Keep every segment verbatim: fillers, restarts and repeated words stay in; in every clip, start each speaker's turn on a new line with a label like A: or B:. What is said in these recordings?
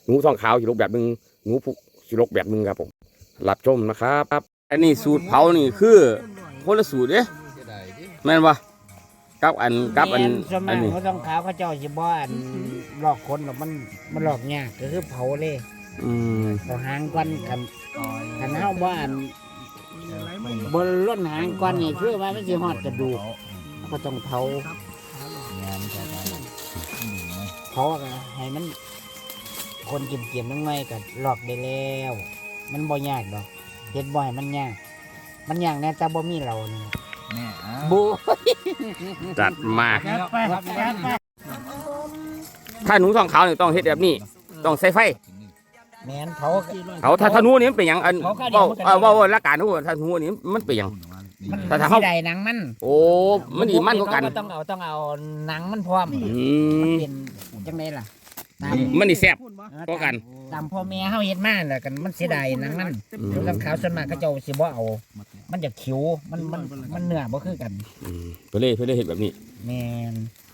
A: หนูทองขาวสิลกแบบนึงหนูผู้สิลกแบบนึงครับผมรับชมนะครับอันนี้สูตรเผานี่คือคนละสูตรเด้แม่นปะกับอันกับอันอันนี้
B: เขาต้องขาวเขาเจ้าสิบ่อันหลอกคนหรอกมันมันหลอกยากก็คือเผาเลย
A: อืม
B: เอาหางก้อนกันกันเฮาบ่อันบนล้นหางก้อนนี่คือว่ามันสิฮอดกระดูกก็ต้องเผาเผาก็ให้มันคนเก็บๆน้อยๆก็หลอกได้แล้วมันบ่ยากดอกเฮ็ดบ่ให้มันยากมันยากแน่แต่บ่มีเรานี่บู
A: จัดมาถ้าหนูทองขาวนี่ต้องเฮ็ดแบบนี้ต้องใส่ไฟ
B: แม่นเผา
A: เขาถ้าถ้าหนูนี่มันเป็นหยังอันเว้าเออเว้าละกันหนูถ้าหนูนี่มันเป็นหยัง
B: ถ้าถ้าเฮาได้หนังมัน
A: โอ้มันดีมันกว่ากัน
B: ต้องเอาต้องเอาหนังมันพร้อม
A: อืม
B: เป็นจังได๋ล่ะ
A: มันนี่แซ่บกว่ากัน
B: ตามพ่อแม่เฮาเฮ็ดมาแหละกันมันเสียดายหนังมันหนูทองขาวส่วนมากเขาเจ้าสิบ่เอามันจะขิวมันมันมันเนื้อบ่คือกัน
A: อืมเพิ่นเลยเพิ่นเลยเฮ็ดแบบนี้
B: แม่น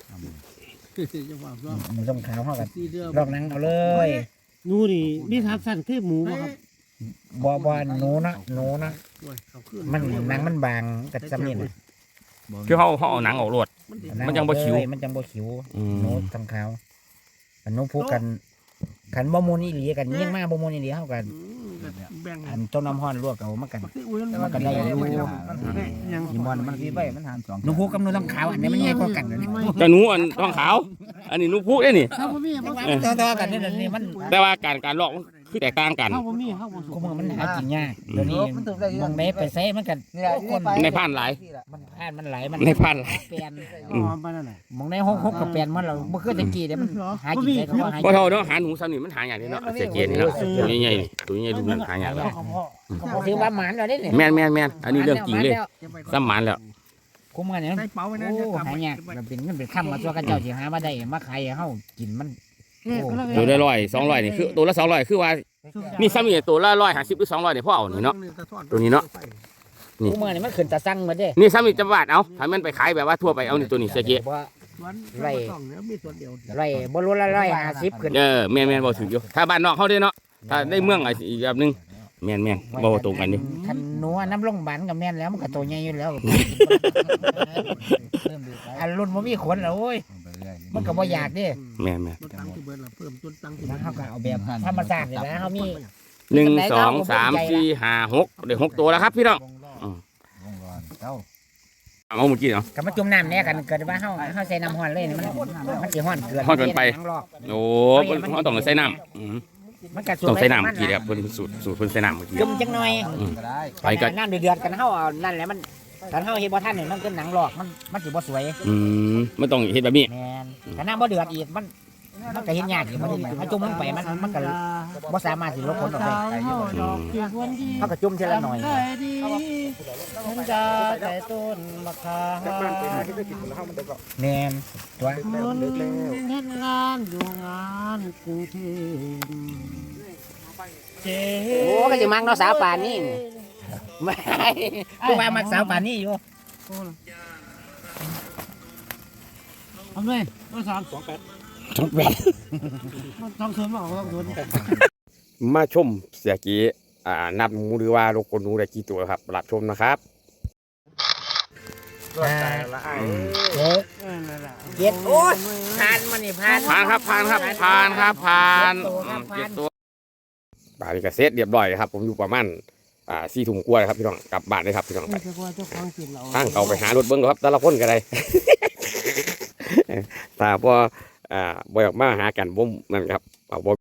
B: หนูทองขาวเฮาก็ลอกหนังเอาเลย
C: หนูนี่มีทักษะคือหมูบ่ครับ
B: บ่บ่หนูนะหนูนะมันหนังมันบางกับซ้ำนี่น่ะ
A: คือเฮาเฮาเอาหนังออกรวดมันจังบ่ขิว
B: มันจังบ่ขิวหนูทองขาวอันนู้นพูดกันขันบ่มูลอีหลีกันยิ่งมากบ่มูลอีหลีเฮากันอันต้นน้ำฮ้อนลวกเอามากันมากันได้อยู่ยี่มอนมันสิไปมันหารสองหนูพูดกับหนูทองขาวอันนี้มันใหญ่กว่ากันนี่
A: แต่หนูอันทองขาวอันนี้หนูพูดได้นี่
B: ต่อๆกันนี่มัน
A: แต่ว่าการการลอกคือแตกต่างกัน
B: กูมือมันหากินยากเดี๋ยวนี้มองไหนไปใส่มันกัน
A: ในผ่านหลาย
B: มันผ่านมันหลายมัน
A: ในผ่านหลาย
B: เปลี่ยนมองในหกหกกับเปลี่ยนมันเราเมื่อคืนตะกี้เดี๋ยวมันหากินได้ก็หา
A: บ่เท่าเนาะหาหนูซ้ำนี่มันหาอย่างนี้เนาะเสียเกียรตินี่เนาะตัวใหญ่ๆนี่ตัวใหญ่ๆดูนั่นหาอย่างแล้ว
B: ถือว่าหมานเราได้เนี่ย
A: แม่นแม่นแม่นอันนี้เรื่องจริงเลยซ้ำหมานแล้ว
B: คุ้มกันเนี่ยโอ้หายากมันเป็นมันเป็นค่ำมาตัวกันเจ้าสิหามาได้มาขายเฮากินมัน
A: ตัวละร้อยสองร้อยนี่คือตัวละสองร้อยคือว่ามีซ้ำนี่ตัวละร้อยห้าสิบหรือสองร้อยเนี่ยพ่อเอานี่เนาะตัวนี้เนาะ
B: นี่คุ้มกันเนี่ยมันขึ้นตะสั่งมาเด้
A: นี่ซ้ำนี่จะบาทเอาถ้ามันไปขายแบบว่าทั่วไปเอานี่ตัวนี้เสียเกียรติ
B: ไรไรบรูละร้อยห้าสิบขึ้น
A: เออแม่นแม่นบ่ถึงอยู่ถ้าบ้านนอกเขาได้เนาะถ้าได้เมืองอีกแบบนึงแม่นแม่นบ่ตรงกันนี่
B: คันหนูน้ำลงบันกับแม่นแล้วมันก็โตใหญ่อยู่แล้วอันรุ่นมันมีขนแล้วโอ้ยมันก็บ่อยากดิ
A: แม่นแม่น
B: แล้วเขาก็เอาแบบธรรมชาติเลยนะเขามี
A: หนึ่งสองสามสี่ห้าหกเดี๋ยวหกตัวแล้วครับพี่น้องเอาหมดกี่เนาะ
B: กับมาจุ่มน้ำเนี่ยกันเกิดว่าเขาเขาใส่น้ำห้อนเลยมันมันจะห้อนเกิน
A: ห้อนเกินไปโอ้เขาต้องใส่น้ำต้องใส่น้ำกี่เดียวเพิ่นสูตรสูตรเพิ่นใส่น้ำเมื่อกี้
B: จุ่มจังหน่อยไปกันน้ำเดือดๆกันเขาเอานั่นแหละมันตอนเขาเห็นบ่ท่านเนี่ยมันเป็นหนังหลอกมันมันสิบ่สวย
A: อืมมันต้องเห็นแบบนี้
B: แม่นแต่น้ำบ่เดือดอีกมันมันก็เห็นยากอยู่มันถ้าจุ่มลงไปมันมันก็บ่สามารถสิลบผลออกไปเขาก็จุ่มทีละหน่อยฉันจะได้ต้นมะขามแม่นตัวเฮ็ดงานอยู่งานกรุงเทพโอ้ก็สิมักเนาะสาวป่านนี้ไม่กูว่ามักสาวป่านนี้อยู่
C: ทำเลยก็สามสองแปด
A: สองแปด
C: ต้องเสริมมาต้องเสริ
A: มมาชมเสียกี้อ่านับหนูหรือว่าโลกคนหนูได้กี่ตัวครับรับชมนะครับ
B: เจ็ดโอ้ยผ่านมันนี่ผ่าน
A: ผ่านครับผ่านครับผ่านครับผ่านเจ็ดตัวบาลีกระเซ็ตเรียบร้อยครับผมอยู่ประมาณอ่าสี่ถุงกล้วยครับพี่น้องกลับบ้านเลยครับพี่น้องไปตั้งเอาไปหารถเบิ้งครับแต่ละคนก็ได้ตาพออ่าบ่อยออกมาหากันบ่นั่นครับเอาบ่